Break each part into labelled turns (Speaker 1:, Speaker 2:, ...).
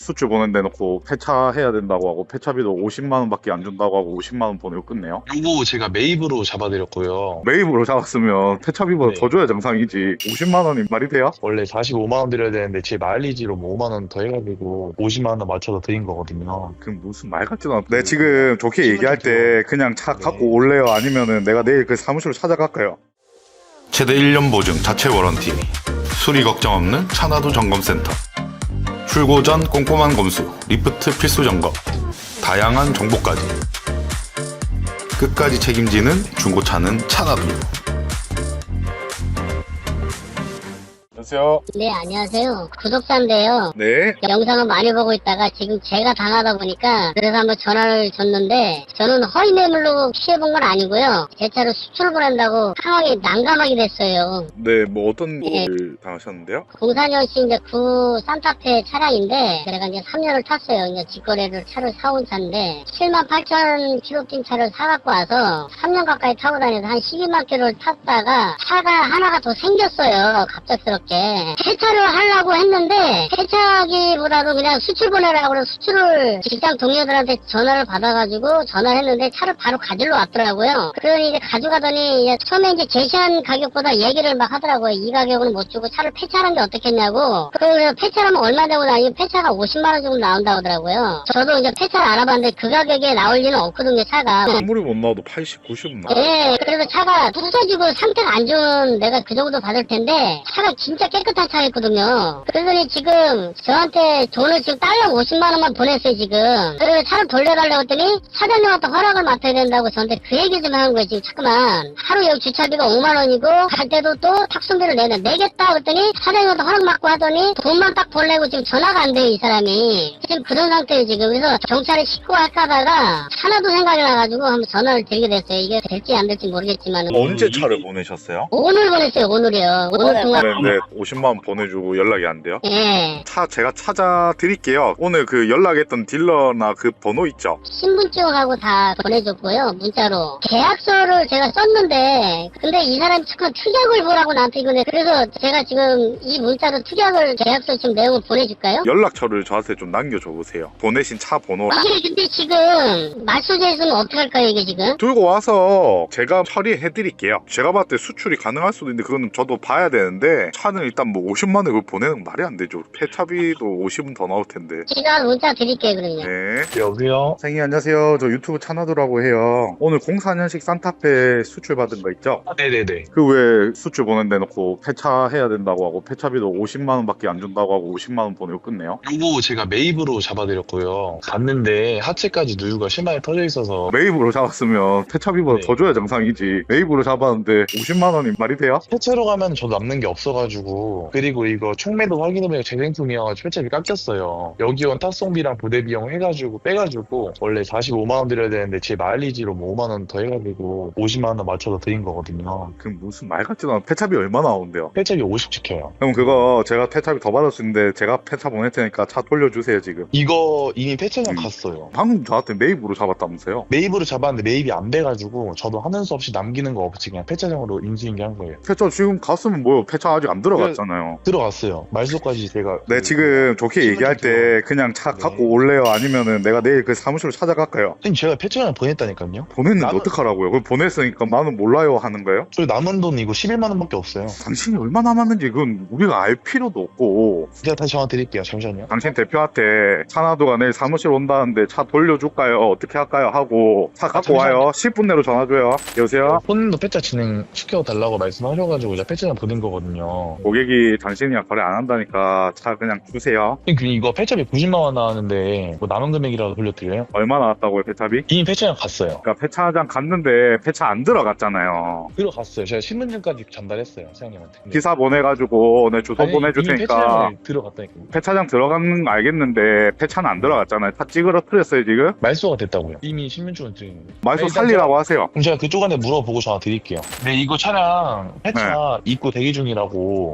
Speaker 1: 수출 보낸 데놓고 폐차해야 된다고 하고 폐차비도 50만 원밖에 안 준다고 하고 50만 원 보내고 끝내요.
Speaker 2: 요거 제가 매입으로 잡아드렸고요.
Speaker 1: 매입으로 잡았으면 폐차비보다
Speaker 2: 네.
Speaker 1: 더 줘야 정상이지. 50만 원이 말이 돼요?
Speaker 2: 원래 45만 원 드려야 되는데 제 마일리지로 뭐 5만 원 더 해가지고 50만 원 맞춰서 드린 거거든요.
Speaker 1: 그럼 무슨 말 같지도 않아. 내 지금 좋게 얘기할 때 그냥 차
Speaker 2: 네.
Speaker 1: 갖고 올래요? 아니면은 내가 내일 그 사무실로 찾아갈까요? 최대 1년 보증 자체 워런티, 수리 걱정 없는 차나도 점검센터, 출고 전 꼼꼼한 검수, 리프트 필수 점검, 다양한 정보까지 끝까지 책임지는 중고차는 차나도. 안녕하세요.
Speaker 3: 네, 안녕하세요. 구독자인데요.
Speaker 1: 네.
Speaker 3: 영상을 많이 보고 있다가 지금 제가 당하다 보니까 그래서 한번 전화를 줬는데 저는 허위 매물로 피해본 건 아니고요. 제 차로 수출 보낸다고 상황이 난감하게 됐어요.
Speaker 1: 네, 뭐 어떤
Speaker 3: 네.
Speaker 1: 일을 당하셨는데요?
Speaker 3: 04년식 이제 구 산타페 차량인데 제가 이제 3년을 탔어요. 이제 직거래를 차를 사온 차인데 7만 8천 킬로 뛴 차를 사갖고 와서 3년 가까이 타고 다녀서 한 12만 킬로를 탔다가 차가 하나가 더 생겼어요. 갑작스럽게. 폐차를 하려고 했는데 폐차하기보다도 그냥 수출 보내라고 그래서 수출을 직장 동료들한테 전화를 받아가지고 전화를 했는데 차를 바로 가지러 왔더라고요. 그러니 이제 가져가더니 이제 처음에 이제 제시한 가격보다 얘기를 막 하더라고요. 이 가격은 못 주고 차를 폐차하는 게 어떻겠냐고. 그래서 폐차하면 얼마 되고 나니 폐차가 50만 원 정도 나온다고 하더라고요. 저도 이제 폐차를 알아봤는데 그 가격에 나올 리는 없거든요, 차가.
Speaker 1: 아무리 못 나와도 80, 90은 나와요.
Speaker 3: 예, 그래서 차가 부서지고 상태가 안 좋은 내가 그 정도 받을 텐데 차가 진짜 깨끗한 차였거든요. 그러더니 지금 저한테 돈을 지금 달러 50만 원만 보냈어요, 지금. 그래서 차를 돌려달라고 했더니 사장님한테 허락을 맡아야 된다고 저한테 그 얘기 좀 하는 거예요, 지금. 잠깐만. 하루 여기 주차비가 5만 원이고 갈 때도 또 탁송비를 내겠다 그랬더니 사장님한테 허락 맡고 하더니 돈만 딱 보내고 지금 전화가 안 돼요, 이 사람이. 지금 그런 상태예요, 지금. 그래서 경찰에 신고할까 하다가 하나도 생각이 나가지고 한번 전화를 드리게 됐어요. 이게 될지 안 될지 모르겠지만.
Speaker 1: 언제 차를 보내셨어요?
Speaker 3: 오늘 보냈어요, 오늘이요. 오늘 통화.
Speaker 1: 보냈는데 50만 원 보내주고 연락이 안 돼요?
Speaker 3: 예.
Speaker 1: 차 제가 찾아 드릴게요. 오늘 그 연락했던 딜러나 그 번호 있죠?
Speaker 3: 신분증하고 다 보내줬고요, 문자로. 계약서를 제가 썼는데, 근데 이 사람이 잠깐 특약을 보라고 나한테 이거네. 그래서 제가 지금 이 문자로 특약을, 계약서 지금 내용을 보내줄까요?
Speaker 1: 연락처를 저한테 좀 남겨줘 보세요. 보내신 차 번호
Speaker 3: 이게 근데 지금, 말소재 있으면 어떡할까요, 이게 지금?
Speaker 1: 들고 와서 제가 처리해 드릴게요. 제가 봤을 때 수출이 가능할 수도 있는데 그거는 저도 봐야 되는데 차는 일단 뭐 50만 원을 보내는 건 말이 안 되죠. 폐차비도 50은 더 나올 텐데.
Speaker 3: 제가 문자 드릴게요, 그러면.
Speaker 1: 네.
Speaker 2: 여보세요?
Speaker 1: 선생님 안녕하세요. 저 유튜브 차나도라고 해요. 오늘 04년식 산타페 수출 받은 거 있죠?
Speaker 2: 네네네.
Speaker 1: 그 왜 수출 보낸 데놓고 폐차해야 된다고 하고 폐차비도 50만 원밖에 안 준다고 하고 50만 원 보내고 끝내요.
Speaker 2: 요거 제가 매입으로 잡아드렸고요. 갔는데 하체까지 누유가 심하게 터져 있어서
Speaker 1: 매입으로 잡았으면 폐차비보다
Speaker 2: 네.
Speaker 1: 더 줘야 정상이지. 매입으로 잡았는데 50만 원이 말이 돼요?
Speaker 2: 폐차로 가면 저도 남는 게 없어가지고, 그리고 이거 총매도 확인해보니까 재생품이어가지고 폐차비 깎였어요. 여기 온 탁송비랑 부대 비용 해가지고 빼가지고 원래 45만 원 드려야 되는데 제 마일리지로 뭐 5만 원 더 해가지고 50만 원 맞춰서 드린 거거든요.
Speaker 1: 그럼 무슨 말 같지도 않아. 폐차비 얼마 나오는데요?
Speaker 2: 폐차비 50 지켜요.
Speaker 1: 그럼 그거 제가 폐차비 더 받을 수 있는데 제가 폐차 보낼 테니까 차 돌려주세요 지금.
Speaker 2: 이거 이미 폐차장 갔어요.
Speaker 1: 방금 저한테 매입으로 잡았다면서요?
Speaker 2: 매입으로 잡았는데 매입이 안 돼가지고 저도 하는 수 없이 남기는 거 없이 그냥 폐차장으로 인수인계한 거예요.
Speaker 1: 폐차 지금 갔으면 뭐요? 폐차 아직 안 들어갔잖아요.
Speaker 2: 들어갔어요. 말소까지 제가
Speaker 1: 네, 지금 좋게 얘기할 때 그냥 차
Speaker 2: 네.
Speaker 1: 갖고 올래요? 아니면은 내가 내일 그 사무실로 찾아갈까요?
Speaker 2: 선생님 제가 폐차장 보냈다니까요.
Speaker 1: 보냈는데
Speaker 2: 남은-
Speaker 1: 어떡하라고요? 그럼 보냈으니까 나는 몰라요 하는 거예요?
Speaker 2: 저 남은 돈 이거 11만 원밖에 없어요.
Speaker 1: 당신이 얼마 남았는지 그건 우리가 알 필요도 없고.
Speaker 2: 제가 다시 전화 드릴게요. 잠시만요.
Speaker 1: 당신 대표한테 차나도가 내일 사무실 온다는데 차 돌려줄까요? 어떻게 할까요? 하고 차 갖고
Speaker 2: 잠시만요.
Speaker 1: 와요. 10분 내로 전화줘요. 여보세요?
Speaker 2: 손님도 폐차 진행시켜달라고 말씀하셔가지고 제가 폐차장 보낸 거거든요.
Speaker 1: 고객이 당신이랑 거래 안 한다니까 차 그냥 주세요.
Speaker 2: 선생님 이거 폐차비 90만 원 나왔는데 뭐 남은 금액이라도 돌려드려요?
Speaker 1: 얼마 나왔다고요, 폐차비?
Speaker 2: 이미 폐차장 갔어요.
Speaker 1: 그러니까 폐차장 갔는데 폐차 안 들어갔잖아요.
Speaker 2: 들어갔어요. 제가 신분증까지 전달했어요. 사장님한테. 근데
Speaker 1: 기사 보내가지고 내 주소
Speaker 2: 아니,
Speaker 1: 보내줄
Speaker 2: 이미
Speaker 1: 테니까
Speaker 2: 폐차장에 들어갔다니까요.
Speaker 1: 폐차장 들어가는 거 알겠는데 폐차는 안 들어갔잖아요. 다 찌그러뜨렸어요 지금?
Speaker 2: 말소가 됐다고요. 이미 신분증을 드리는 거예요.
Speaker 1: 말소
Speaker 2: 일단
Speaker 1: 살리라고 하세요.
Speaker 2: 그럼 제가 그쪽한테 물어보고 전화 드릴게요. 네, 이거 차량 폐차 입고 대기 중이라고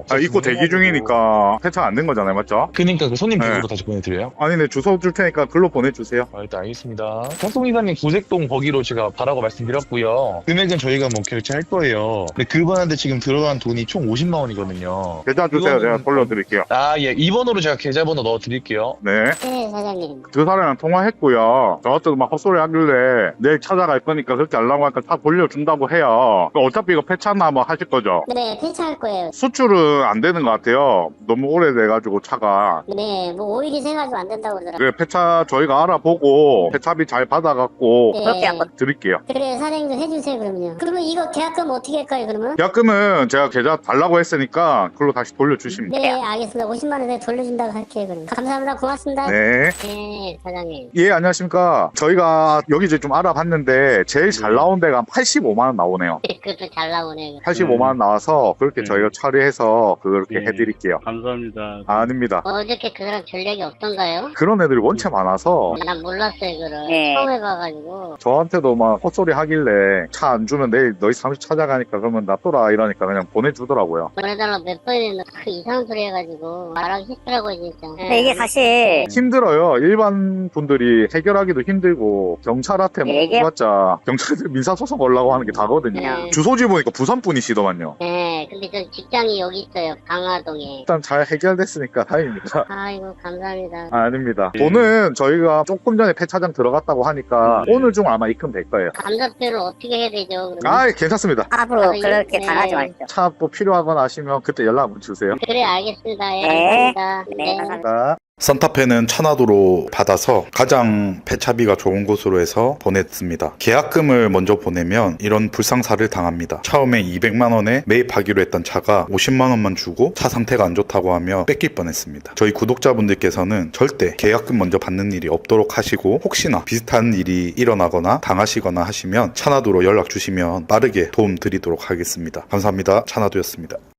Speaker 1: 입고 대기 중이니까 폐차 안 된 거잖아요, 맞죠?
Speaker 2: 그니까 그 손님 댁으로
Speaker 1: 네.
Speaker 2: 다시 보내드려요?
Speaker 1: 아니, 네, 주소 줄 테니까 글로 보내주세요.
Speaker 2: 일단 알겠습니다. 탁송이사님 구색동 거기로 제가 가라고 말씀드렸고요. 금액은 저희가 뭐 결제할 거예요. 근데 그분한테 지금 들어간 돈이 총 50만 원이거든요.
Speaker 1: 계좌 주세요.
Speaker 2: 그거는-
Speaker 1: 제가 돌려드릴게요.
Speaker 2: 예. 이 번호로 제가 계좌번호 넣어드릴게요.
Speaker 1: 네.
Speaker 3: 네, 사장님.
Speaker 1: 그 사람이랑 통화했고요. 저한테도 막 헛소리 하길래 내일 찾아갈 거니까 그렇게 하려고 하니까 다 돌려준다고 해요. 어차피 이거 폐차나 뭐 하실 거죠?
Speaker 3: 네, 폐차할 거예요.
Speaker 1: 수출은 안 되는 것 같아요. 너무 오래돼가지고 차가.
Speaker 3: 네, 뭐 오일이 새가지고 안 된다고 그러더라고요.
Speaker 1: 그래, 폐차 저희가 알아보고 폐차비 잘 받아갖고
Speaker 3: 네.
Speaker 4: 그렇게 한번
Speaker 1: 드릴게요.
Speaker 3: 그래, 사장님 좀 해주세요, 그러면요. 그러면 이거 계약금 어떻게 할까요, 그러면?
Speaker 1: 계약금은 제가 계좌 달라고 했으니까 그걸로 다시 돌려주시면 돼요.
Speaker 3: 네, 알겠습니다. 50만 원 내가 돌려준다고 할게요, 그럼. 감사합니다. 고맙습니다.
Speaker 1: 네.
Speaker 3: 네, 사장님.
Speaker 1: 예, 안녕하십니까. 저희가 여기저기 좀 알아봤는데 제일 잘 나온 데가 한 85만 원 나오네요.
Speaker 3: 그것도 잘 나오네요.
Speaker 1: 85만 원 나와서 그렇게 저희가 처리해서 그렇게
Speaker 5: 네.
Speaker 1: 해드릴게요.
Speaker 5: 감사합니다.
Speaker 1: 아닙니다.
Speaker 3: 어저께 그 사람 전략이 없던가요?
Speaker 1: 그런 애들이 원체 많아서
Speaker 3: 난 몰랐어요, 그걸.
Speaker 4: 네.
Speaker 3: 처음 해봐가지고.
Speaker 1: 저한테도 막 헛소리 하길래 차 안 주면 내일 너희 사무실 찾아가니까 그러면 놔둬라 이러니까 그냥 보내주더라고요.
Speaker 3: 보내달라고 몇 번이나 그 이상한 소리 해가지고 말하기 싫더라고요, 진짜.
Speaker 4: 근데 이게 사실
Speaker 1: 힘들어요. 일반 분들이 해결하기도 힘들고 경찰한테 뭐
Speaker 4: 얘기-
Speaker 1: 해봤자 경찰들 민사소송 걸라고 하는 게 다거든요.
Speaker 3: 네.
Speaker 1: 주소지 보니까 부산 분이시더만요.
Speaker 3: 네, 근데 저 직장이 여기 있어요, 강화동에.
Speaker 1: 일단 잘 해결됐으니까 다행입니다.
Speaker 3: 아이고, 감사합니다.
Speaker 1: 아닙니다.
Speaker 5: 예.
Speaker 1: 돈은 저희가 조금 전에 폐차장 들어갔다고 하니까
Speaker 5: 네.
Speaker 1: 오늘 중 아마 입금될 거예요.
Speaker 3: 감사표를 어떻게 해야 되죠, 그러면?
Speaker 1: 아, 괜찮습니다.
Speaker 4: 앞으로
Speaker 3: 아,
Speaker 4: 그렇게
Speaker 3: 네.
Speaker 4: 당하지 마십시오.
Speaker 1: 차 또 필요하거나 하시면 그때 연락 한번 주세요.
Speaker 3: 그래, 알겠습니다. 예,
Speaker 4: 네.
Speaker 3: 감사합니다.
Speaker 4: 네, 감사합니다.
Speaker 1: 자.
Speaker 6: 산타페는 차나도로 받아서 가장 배차비가 좋은 곳으로 해서 보냈습니다. 계약금을 먼저 보내면 이런 불상사를 당합니다. 처음에 200만 원에 매입하기로 했던 차가 50만 원만 주고 차 상태가 안 좋다고 하며 뺏길 뻔했습니다. 저희 구독자분들께서는 절대 계약금 먼저 받는 일이 없도록 하시고 혹시나 비슷한 일이 일어나거나 당하시거나 하시면 차나도로 연락 주시면 빠르게 도움 드리도록 하겠습니다. 감사합니다. 차나도였습니다.